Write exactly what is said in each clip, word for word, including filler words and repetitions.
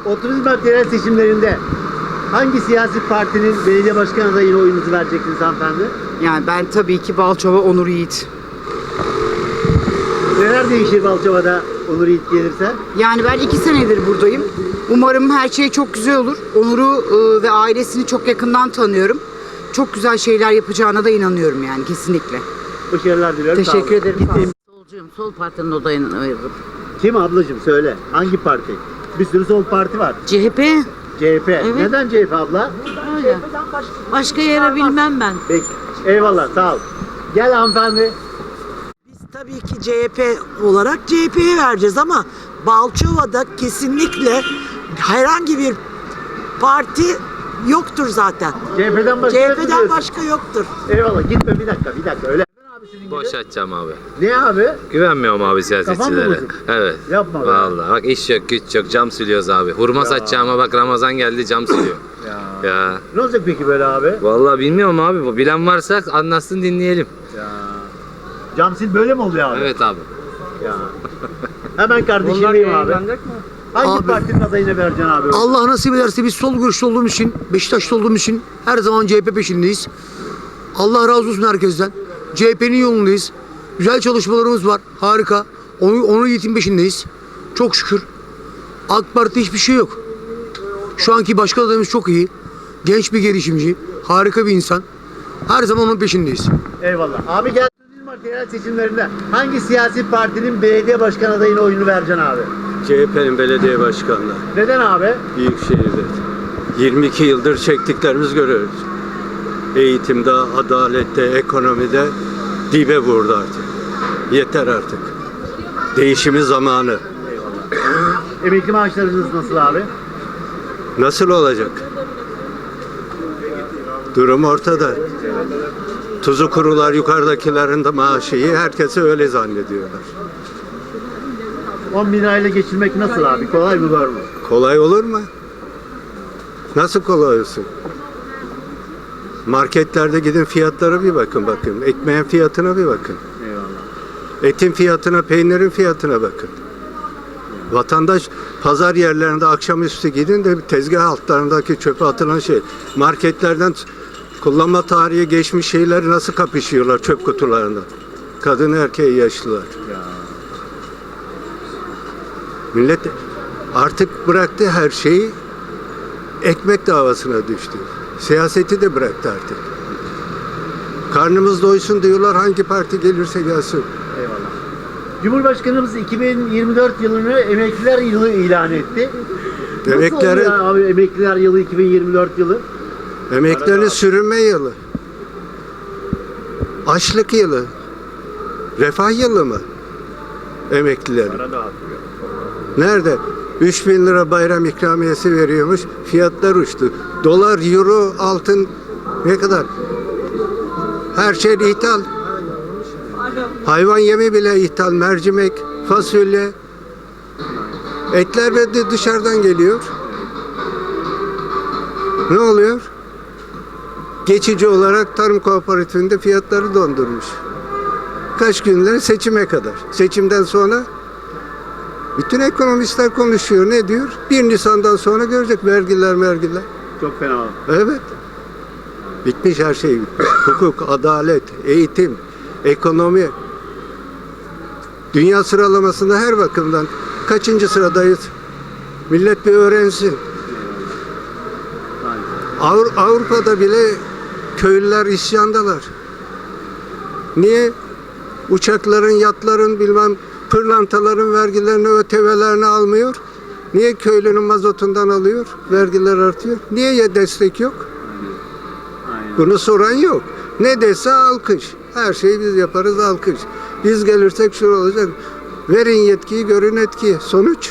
otuz Mart yerel seçimlerinde hangi siyasi partinin belediye başkan adayına oyunuzu vereceksiniz hanımefendi? Yani ben tabii ki Balçova Onur Yiğit. Neler değişir Balçova'da Onur Yiğit gelirse? Yani ben iki senedir buradayım. Umarım her şey çok güzel olur. Onur'u e, ve ailesini çok yakından tanıyorum. Çok güzel şeyler yapacağına da inanıyorum yani kesinlikle. Başarılar diliyorum. Sağ Teşekkür olun. ederim. Gittiğim- Solcuyum. Sol partinin odayını ayırdım. Kim ablacığım söyle. Hangi parti? Bir sürü sol parti var. C H P. C H P. Evet. Neden C H P abla? Öyle. Başka yere bilmem ben. Peki. Eyvallah sağ ol. Gel hanımefendi. Biz tabii ki C H P olarak C H P'ye vereceğiz ama Balçova'da kesinlikle herhangi bir parti yoktur zaten. C H P'den başka C H yok P'den diyorsun. başka yoktur. Eyvallah gitme bir dakika bir dakika öyle. Abi senin Boş gibi. açacağım abi. Ne abi? Güvenmiyorum abi Kafan mı siyasetçilere. bozuk? Evet. Yapma be. Vallahi bak iş yok güç yok cam siliyoruz abi. Hurma satacağıma bak Ramazan geldi cam siliyor. Ya. Ya. Ne olacak peki böyle abi? Vallahi bilmiyorum abi. Bu bilen varsa anlatsın dinleyelim. Ya. Camsil böyle mi oluyor abi? Evet abi. Ya. Hemen kardeşimdeyim abi. Hangi Abi- partinin adayına vereceksin abi? Allah nasip ederse biz sol görüşlü olduğumuz için, Beşiktaşlı olduğumuz için her zaman C H P peşindeyiz. Allah razı olsun herkesten. C H P'nin yolundayız. Güzel çalışmalarımız var. Harika. Onu, onu yiğitin peşindeyiz. Çok şükür. AK Parti hiçbir şey yok. Şu anki başkan adayımız çok iyi. Genç bir girişimci. Harika bir insan. Her zaman onun peşindeyiz. Eyvallah. Abi gel. otuz Mart yerel seçimlerinde hangi siyasi partinin belediye başkan adayına oyunu vereceksin abi? C H P'nin belediye başkanlığı Neden abi? Büyükşehir'de yirmi iki yıldır çektiklerimiz görüyoruz. Eğitimde, adalette, ekonomide dibe vurdu artık. Yeter artık. Değişimi zamanı. Emekli maaşlarınız nasıl abi? Nasıl olacak? Durum ortada. Tuzu kurular yukarıdakilerin de maaşı iyi. Herkesi öyle zannediyorlar. on bin lirayla geçirmek nasıl abi? Kolay mı zor mu? Kolay olur mu? Nasıl kolay olsun? Marketlerde gidin fiyatlara bir bakın bakın. Ekmeğin fiyatına bir bakın. Eyvallah. Etin fiyatına, peynirin fiyatına bakın. Vatandaş pazar yerlerinde akşamüstü gidin de tezgah altlarındaki çöpe atılan şey. Marketlerden kullanma tarihi geçmiş şeyleri nasıl kapışıyorlar çöp kutularında. Kadın erkeği yaşlılar. Millet artık bıraktı her şeyi, ekmek davasına düştü. Siyaseti de bıraktı artık. Karnımız doysun diyorlar, hangi parti gelirse gelsin. Eyvallah. Cumhurbaşkanımız iki bin yirmi dört yılını emekliler yılı ilan etti. Nasıl Emeklilerin- oluyor abi emekliler yılı iki bin yirmi dört yılı? Emeklilerin sürünme yılı, açlık yılı, refah yılı mı emeklilerin? Nerede? üç bin lira bayram ikramiyesi veriyormuş, fiyatlar uçtu. Dolar, euro, altın ne kadar? Her şey ithal. Hayvan yemi bile ithal, mercimek, fasulye. Etler de dışarıdan geliyor. Ne oluyor? Geçici olarak tarım kooperatifinde fiyatları dondurmuş. Kaç günler? Seçime kadar. Seçimden sonra bütün ekonomistler konuşuyor. Ne diyor? bir Nisan'dan sonra görecek vergiler mergiler. Çok fena. Evet. Bitmiş her şey bitmiş. Hukuk, adalet, eğitim, ekonomi. Dünya sıralamasında her bakımdan kaçıncı sıradayız? Millet bir öğrensin. Avru- Avrupa'da bile köylüler isyandalar. Niye? Uçakların, yatların, bilmem pırlantaların vergilerini, ÖTV'lerini almıyor. Niye köylünün mazotundan alıyor? Vergiler artıyor. Niye ya destek yok? Bunu soran yok. Ne dese alkış. Her şeyi biz yaparız alkış. Biz gelirsek şu olacak. Verin yetkiyi, görün etkiyi. Sonuç?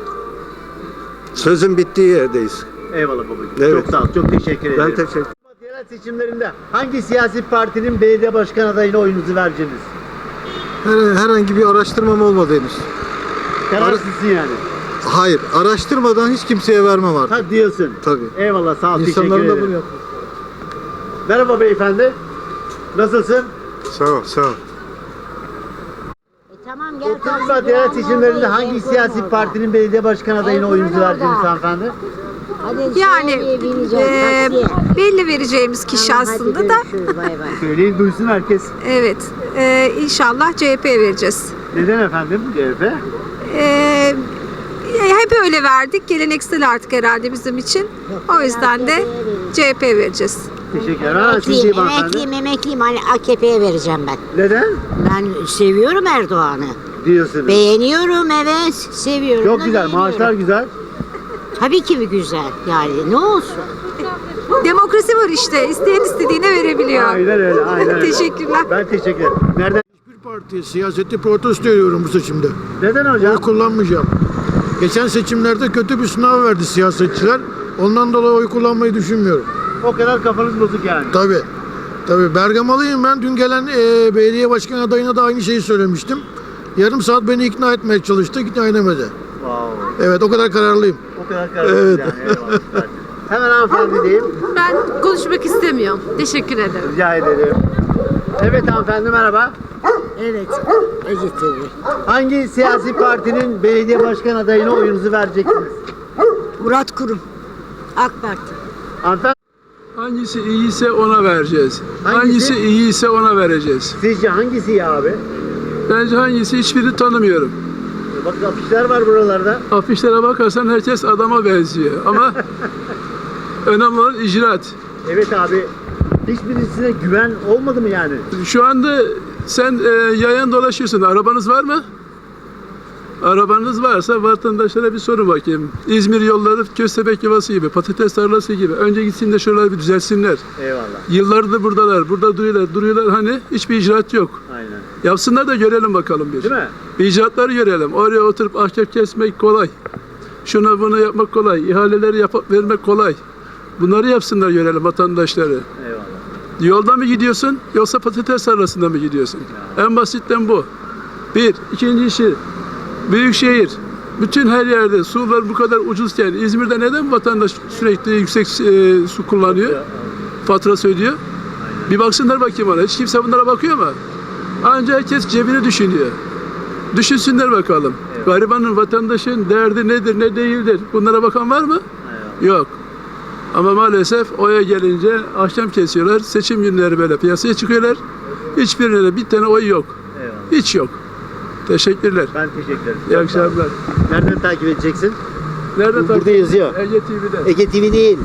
Sözün bittiği yerdeyiz. Eyvallah babacığım. Evet. Çok sağ ol. Çok teşekkür ederim. Ben teşekkür Yerel seçimlerinde hangi siyasi partinin belediye başkan adayına oyunuzu vereceksiniz? Her- Herhangi bir araştırmam olmadı henüz. Kararsızsın yani. Hayır, araştırmadan hiç kimseye vermem artık. Ha diyorsun. Tabii. Eyvallah sağ ol. Teşekkür İnsanların da ederim. bunu yapıyor. Merhaba beyefendi. Nasılsın? Sağ ol, sağ ol. E Tamam gel. otuz Şubat yerel seçimlerinde hangi siyasi partinin belediye başkan adayına oyunuzu vereceksiniz hanımefendi? Yani e, belli vereceğimiz kişi aslında da Söyleyin duysun herkes. evet e, inşallah C H P'ye vereceğiz. Neden efendim C H P? E, hep öyle verdik. Geleneksel artık herhalde bizim için. O yüzden de C H P'ye vereceğiz. Teşekkürler. Ha, siz Emekliyim, iyi hanımefendi. emekliyim, emekliyim. Hani A K P'ye vereceğim ben. Neden? Ben seviyorum Erdoğan'ı. Diyorsunuz. Beğeniyorum, evet. Seviyorum. Çok da güzel. beğeniyorum. Maaşlar güzel. Tabii ki bir güzel. Yani ne olsun. Demokrasi var işte. İsteyen istediğine verebiliyor. Aynen öyle. Aynen öyle. Teşekkürler. Ben teşekkür ederim. Nereden? Bir parti siyaseti protesto ediyorum bu seçimde. Neden hocam? Oy kullanmayacağım. Geçen seçimlerde kötü bir sınav verdi siyasetçiler. Ondan dolayı oy kullanmayı düşünmüyorum. O kadar kafanız bozuk yani. Tabii. Tabii Bergamalıyım ben. Dün gelen e, belediye başkan adayına da aynı şeyi söylemiştim. Yarım saat beni ikna etmeye çalıştı. İkna edemedi. Wow. Evet o kadar kararlıyım. O kadar kararlısınız Evet. yani. Eyvallah. Süper. Hemen hanımefendi diyeyim. Ben konuşmak istemiyorum. Teşekkür ederim. Rica ederim. Evet hanımefendi merhaba. Evet. Ece T V. Hangi siyasi partinin belediye başkan adayına oyunuzu vereceksiniz? Murat Kurum. AK Parti. Hanımefendi Hangisi iyiyse ona vereceğiz. Hangisi? Hangisi iyiyse ona vereceğiz. sizce hangisi ya abi? Bence hangisi hiçbirini tanımıyorum. Bak afişler var buralarda. Afişlere bakarsan herkes adama benziyor ama önemli olan icraat. Evet abi. Hiçbirisine güven olmadı mı yani? Şu anda sen e, yayan dolaşıyorsun. Arabanız var mı? Arabanız varsa vatandaşlara bir sorun bakayım. İzmir yolları köstebek yuvası gibi, patates tarlası gibi. Önce gitsin de şuraları bir düzelsinler. Eyvallah. Yıllardır buradalar, burada duruyorlar, duruyorlar hani hiçbir icraat yok. Aynen. Yapsınlar da görelim bakalım bir. Değil mi? Bir icraatları görelim. Oraya oturup ahkam kesmek kolay. Şunu bunu yapmak kolay. İhaleleri yapıp vermek kolay. Bunları yapsınlar görelim vatandaşları. Eyvallah. Yolda mı gidiyorsun yoksa patates tarlasında mı gidiyorsun? En basitten bu. Bir. İkinci işi. Büyükşehir. Bütün her yerde sular bu kadar ucuzken İzmir'de neden vatandaş sürekli yüksek e, su kullanıyor? Faturası ödüyor. Bir baksınlar bakayım ona. Hiç kimse bunlara bakıyor mu? Ancak herkes cebini düşünüyor. Düşünsünler bakalım. Evet. Garibanın, vatandaşın derdi nedir, ne değildir? Bunlara bakan var mı? Evet. Yok. Ama maalesef oya gelince ahkam kesiyorlar. Seçim günleri böyle piyasaya çıkıyorlar. Hiçbirine de bir tane oy yok. Eyvallah. Hiç yok. Teşekkürler. Ben teşekkür ederim. İyi akşamlar. Nereden takip edeceksin? Nerede Burada takip- yazıyor. Ege T V'de. Ege T V değil.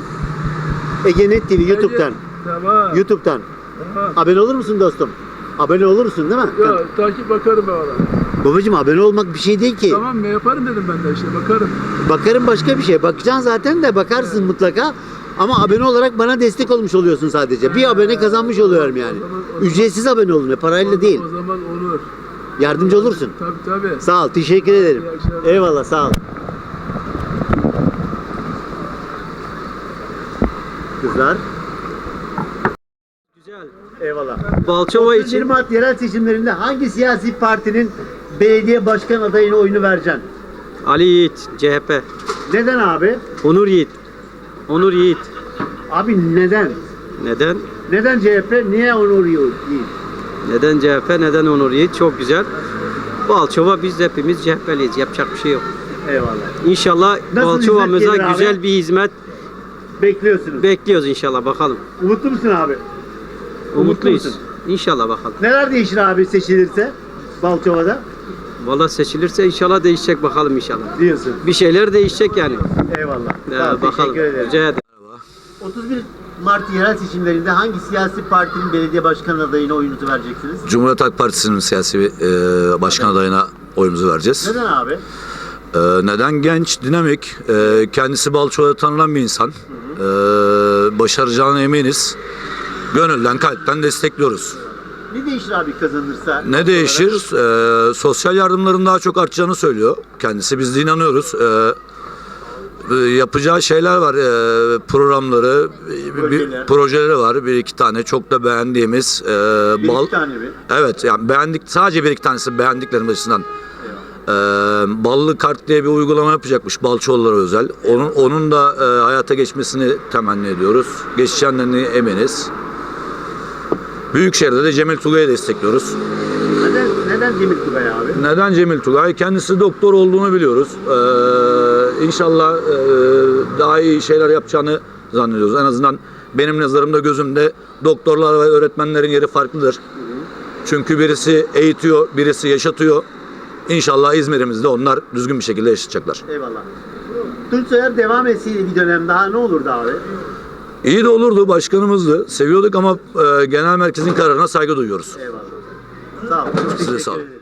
Ege Net T V YouTube'dan. Tamam. YouTube'dan. Tamam. Abone olur musun dostum? Abone olur musun değil mi? Ya takip bakarım ben ona. Babacım abone olmak bir şey değil ki. Tamam mı yaparım dedim ben de işte bakarım. Bakarım başka bir şey. Bakacaksın zaten de bakarsın mutlaka. Ama abone olarak bana destek olmuş oluyorsun sadece. Bir abone kazanmış oluyorum yani. Ücretsiz abone olun. Parayla değil. O zaman olur. Yardımcı olursun. Tabii tabii. Sağ ol. Teşekkür ederim. İyi akşamlar. Eyvallah. Sağ ol. Kızlar. Güzel. Eyvallah. Balçova otuz bir için Mart yerel seçimlerinde hangi siyasi partinin belediye başkan adayına oyunu vereceksin? Ali Yiğit, C H P. Neden abi? Onur Yiğit. Onur Yiğit. Abi neden? Neden? Neden C H P? Niye Onur Yiğit? Neden C H P? Neden Onur Yiğit? Çok güzel. Balçova biz hepimiz C H P'liyiz. Yapacak bir şey yok. Eyvallah. İnşallah Nasıl Balçova'mıza hizmet gelir abi? güzel bir hizmet Bekliyorsunuz. bekliyoruz inşallah bakalım. Umutlu musun abi? Umutluyuz. musun? İnşallah bakalım. Neler değişir abi seçilirse Balçova'da? Valla seçilirse inşallah değişecek bakalım inşallah. Diyorsun. Bir şeyler değişecek yani. Eyvallah. Ya, Sağ ol, bakalım. teşekkür ederim. Rica ederim. otuz bir Mart yerel seçimlerinde hangi siyasi partinin belediye başkan adayına oyunuzu vereceksiniz? Cumhuriyet Halk Partisi'nin siyasi e, başkan adayına oyumuzu vereceğiz. Neden abi? E, neden? Genç, dinamik, e, kendisi Balçova'da tanınan bir insan. E, başaracağına eminiz. Gönülden, kalpten destekliyoruz. Ne değişir abi kazanırsa? Ne değişir? E, sosyal yardımların daha çok artacağını söylüyor. Kendisi, biz de inanıyoruz. E, e, yapacağı şeyler var, e, programları, bir, bir, projeleri var. Bir iki tane çok da beğendiğimiz. E, Bir bal, iki tane mi? Evet, yani beğendik, sadece bir iki tanesi beğendiklerim açısından. Ee, ballı kart diye bir uygulama yapacakmış Balçoğullara özel. Onun onun da e, hayata geçmesini temenni ediyoruz. Geçeceğinden eminiz. Büyükşehir'de de Cemil Tugay'ı destekliyoruz. Neden, neden Neden Cemil Tugay abi? Neden Cemil Tugay? Kendisi doktor olduğunu biliyoruz. Ee, inşallah e, daha iyi şeyler yapacağını zannediyoruz. En azından benim nazarımda, gözümde doktorlar ve öğretmenlerin yeri farklıdır. Çünkü birisi eğitiyor, birisi yaşatıyor. İnşallah İzmir'imizde onlar düzgün bir şekilde yaşayacaklar. Eyvallah. Tunç Soyer devam etseydi bir dönem daha ne olurdu abi? İyi de olurdu, başkanımızdı. Seviyorduk ama e, genel merkezin kararına saygı duyuyoruz. Eyvallah. Sağ olun. Size Teşekkür sağ olun. ederim.